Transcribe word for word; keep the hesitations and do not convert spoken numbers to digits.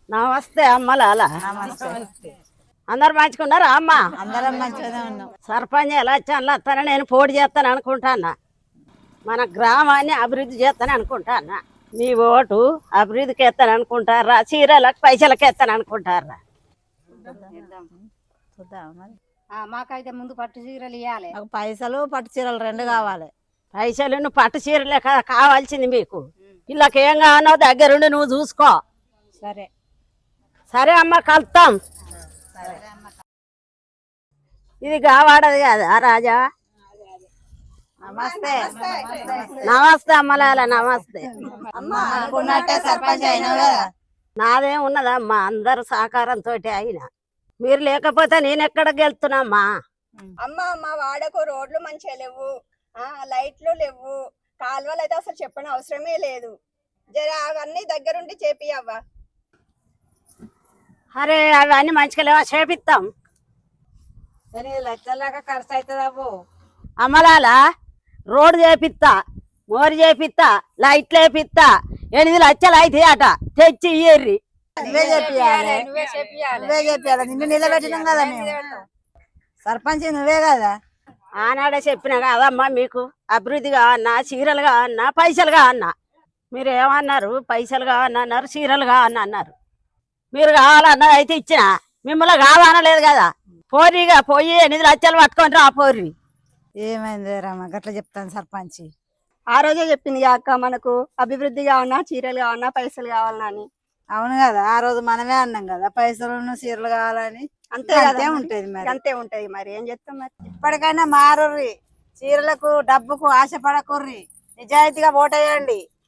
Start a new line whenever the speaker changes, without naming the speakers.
నమస్తే అమ్మలాల. అందరు మంచుకున్నారా అమ్మ?
అందరం మంచిగానే ఉన్నాం.
సర్పంచ్ ఎలక్షన్లు వస్తానని నేను పోటీ చేస్తాను అనుకుంటానా. మన గ్రామాన్ని అభివృద్ధి చేస్తాను అనుకుంటానా. మీ ఓటు అభివృద్ధికి ఎత్తాను అనుకుంటారా, చీరలకు పైసలకి ఎత్తాను అనుకుంటారా?
మాకైతే ముందు పట్టు చీరలు ఇవ్వాలి.
మాకు పైసలు పట్టు చీరలు రెండు కావాలి.
పైసలు నువ్వు పట్టు చీరలే కదా కావాల్సింది మీకు. ఇళ్ళకి ఏం కావాలో దగ్గరుండి నువ్వు చూసుకో.
సరే
సరే అమ్మ, కలుతాం. ఇది కావాడది కదా రాజా.
నమస్తే.
నమస్తే అమ్మలాల, నమస్తే.
అనుకున్నట్టే సర్పంచ్ అయినావు కదా.
నాదేం ఉన్నదమ్మా, అందరు సహకారంతో అయినా. మీరు లేకపోతే నేను ఎక్కడికి వెళ్తున్నామ్మా?
అమ్మ మా వాడకు రోడ్లు మంచిగా లేవు, ఆ లైట్లు లేవు, కాలువలు అయితే అసలు చెప్పని అవసరమే లేదు. జర అవన్నీ దగ్గరుండి చేపియవ్వా.
అరే అవన్నీ మంచిగా లేవా, చేపిస్తాం.
లక్షలాగా ఖర్చు అవుతుంది అవ్వు.
అమ్మలాల రోడ్డు చేపిస్తా, మోరు చేపిస్తా, లైట్లు వేపిస్తా. ఎనిమిది లక్షలు అయితే అట తెచ్చి ఇయ్యర్రి.
నువ్వే చెప్పియాలి,
నువ్వే చేపియాలి.
నువ్వే చెప్పియాలి. నిన్ను నిలబెట్టినాం కదా మేము. సర్పంచ్ నువ్వే కదా.
ఆనాడే చెప్పినా కదమ్మా మీకు అభివృద్ధి కావన్నా, చీరలు కావన్నా, పైసలు కావన్నా. మీరు ఏమన్నారు? పైసలు కావన్నా అన్నారు, చీరలు కావన్నా అన్నారు. మీరు కావాలన్నది అయితే ఇచ్చిన, మిమ్మల్ని కావాలనలేదు కదా. పోరిగా పోయి ఎనిమిది లక్షలు పట్టుకొని రా పోర్రి.
ఏమైంది రమ్మ గట్లా చెప్తాను సర్పంచ్.
ఆ రోజే చెప్పింది అక్క మనకు అభివృద్ధి కావన్నా, చీరలు కావన్నా, పైసలు కావాలన్నా అని.
అవును కదా, ఆ రోజు మనమే అన్నాం కదా పైసలు చీరలు కావాలని.
అంతే
అంతే ఉంటది మరి.
అంతే ఉంటది మరి, ఏం చేస్తాం మరి.
ఇప్పటికైనా మారుర్రి, చీరలకు డబ్బుకు ఆశపడకుర్రి, నిజాయితీగా ఓటేయండి.